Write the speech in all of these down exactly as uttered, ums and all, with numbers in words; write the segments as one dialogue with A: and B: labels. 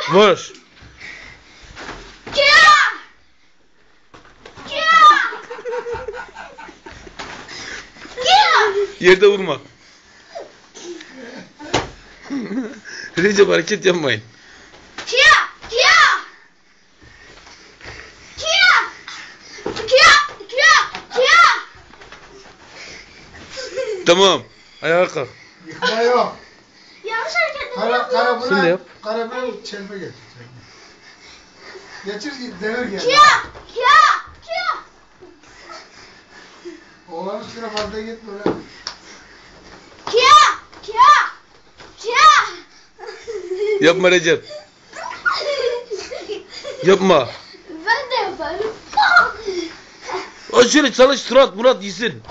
A: Vur. Yerde vurma. Recep hareket yapmayın. Tamam. Ayağa kalk.
B: Yıkma yok.
C: Yanlış hareket
B: Kara, kara
A: Sen de
B: buna,
A: yap.
B: kara buna çelme getir. Geçir devir gel.
C: Kia! Kia! Kia!
B: Oğlanın üstüne fazla gitme lan.
C: Kia! Kia! Kia!
A: Yapma Recep. Yapma.
C: Ben de yaparım.
A: O şöyle çalış surat Murat yesin.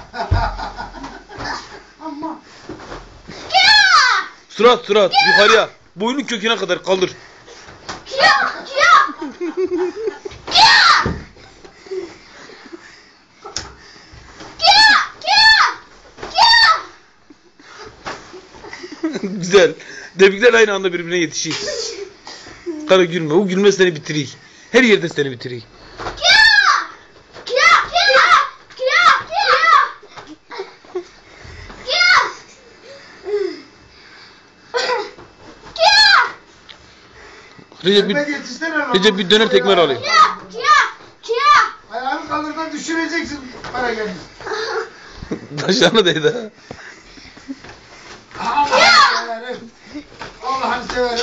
C: Ama. Kia!
A: Surat surat yukarıya. Boynun köküne kadar kaldır.
C: Kia! Kia! Kia! Kia! Kia! Kia!
A: Güzel. Debrikler aynı anda birbirine yetişir. Kara gülme. O gülme seni bitirir. Her yerde seni bitirir. Recep bir, Recep bir döner tekmer alayım.
B: Ayağını kaldırdan düşüreceksin para gelmiş.
A: Taşlarına değdi ha.
B: Allah'ını severim. Allah'ını severim.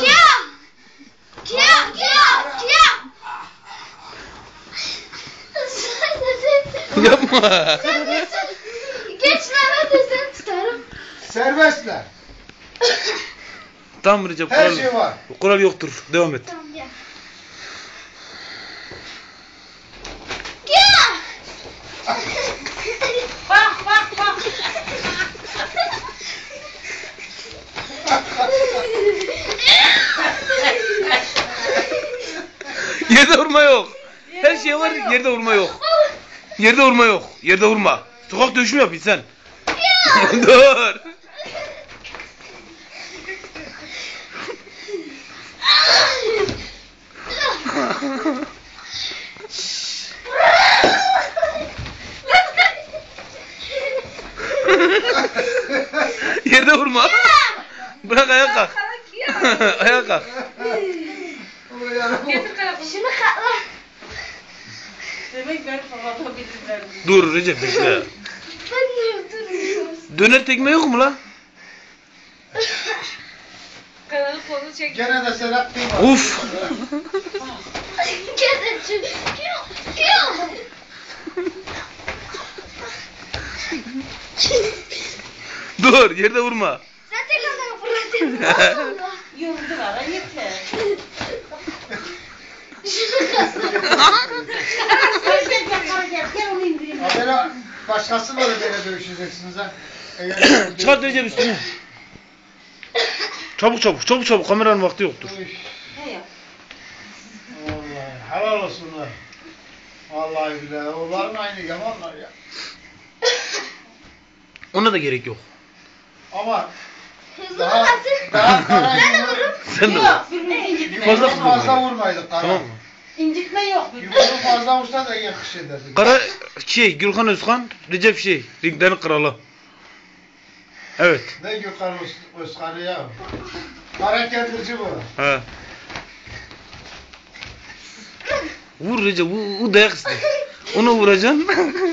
A: Yapma.
C: Geçme ben de seni tutarım.
B: Serbestler.
A: Tamam Recep.
B: Her
A: Kural,
B: şey var.
A: kural yoktur. Devam et.
C: Tamam gel. Gel. Bak bak bak.
A: Yerde vurma yok. Her şey var, yerde vurma yok. Yerde vurma yok. Yerde vurma. Sokak dövüşü mü yapıyorsun sen? Dur. Yerde vurma. Bırak ayağa kalk. Ayağa kalk.
C: Şunu katla.
D: Demek ben falan bilirler.
A: Dur Recep bekle.
C: Ben de duruyorum.
A: Döner tekme yok mu lan?
D: Kanalı kolu çek.
B: Gene de sen hakkıyma.
A: Uf.
C: Kesin.
A: Dur yerde vurma.
C: Sen tekrar fırlatayım.
D: Yoruldular yeter.
C: Şunu katla.
B: Habere başkası böyle böyle dövüşeceksiniz ha. Eğer-
A: Çıkart Recep üstüne. Çabuk çabuk çabuk çabuk kameranın vakti yoktur.
B: Üf,
D: Ne yap?
B: Vallahi helal olsunlar. Vallahi billahi onların aynı yamanlar ya.
A: Ona da gerek yok.
B: Ama
C: Hızlı
B: daha
C: vurmasın.
B: daha kara
C: Ben de vururum.
A: Sen de vur.
D: Yok, birbirine incitme.
A: Fazla
B: yumruğu fazla vurmaydık kara.
A: Tamam mı?
D: İncitme yok.
B: Yumruğu fazla vursa da yakış ederdi.
A: Kara şey Gülhan Özkan, Recep şey ringlerin kralı. Evet.
B: Ne Gökhan Öz- Özkan'ı ya. Kara kendirci bu.
A: He. Vur Recep, bu, bu dayak ister. Onu vuracaksın.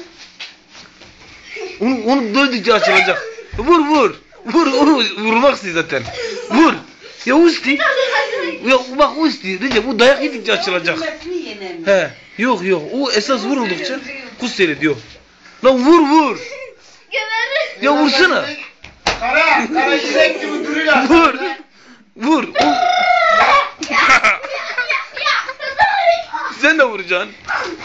A: onu onu dövdükçe açılacak. Vur vur. Vur onu vurmak istiyor zaten. Vur. Ya usti. Ya bak usti. Recep bu dayak yedikçe açılacak.
D: Bilmesini yenem.
A: He. Yok yok. O esas vuruldukça kuş seyrediyor. Lan vur vur.
C: Geberir.
A: Ya vursana.
B: Kara, kara yürek gibi duruyor.
A: Vur. Vur. O- Sen de vuracaksın.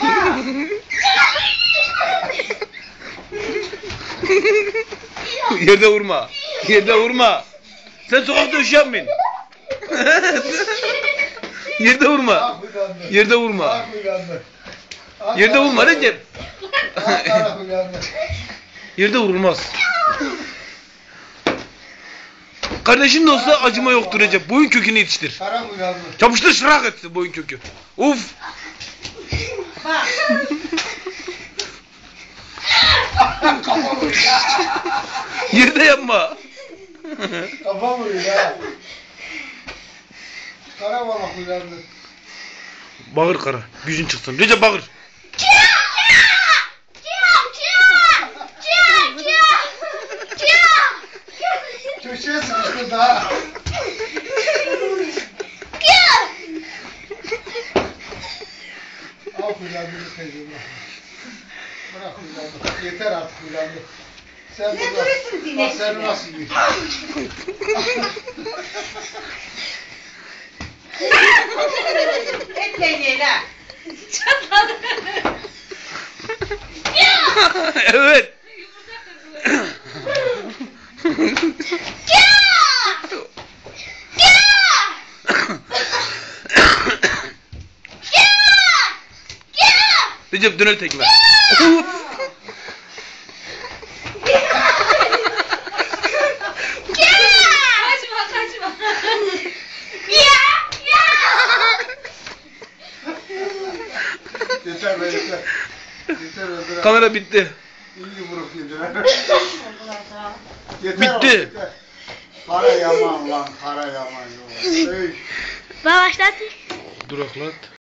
A: Yerde vurma. Yerde vurma. Sen sokak dövüşü yapmayın. Yerde vurma.
B: Ah uyandı.
A: Yerde vurma.
B: Ah uyandı. Ah,
A: Yerde vurma
B: kara-
A: Recep.
B: Ah kara uyandı.
A: Yerde vurulmaz. Kardeşin de olsa acıma yoktur Recep. Boyun kökünü yetiştir.
B: Kara uyandı.
A: Çapıştır şırak etsin boyun kökü. Uf.
D: Bak.
B: Kafa vuruyor ya.
A: Yerde yapma.
B: Kafa vuruyor ya. Kara balık uyandı.
A: Bağır kara. Gücün çıksın. Recep bağır.
B: Köşeye sıkıştı daha. Al uyandı teyzem. Bırak uyandı. Yeter artık uyandı. Sen
D: Ne
B: burada.
D: durursun diye
B: Bak seni
D: şimdi?
B: nasıl yiyor.
D: Etle ye la.
A: Evet. Recep döner tekme.
C: Kaçma kaçma.
B: Yeter be yeter. Yeter öldüren.
A: Kamera bitti.
B: İyi yumruk yediler. Yeter
A: Bitti.
B: o, yeter. Kara yaman lan kara yaman. Ey.
C: Başlat.
A: Duraklat.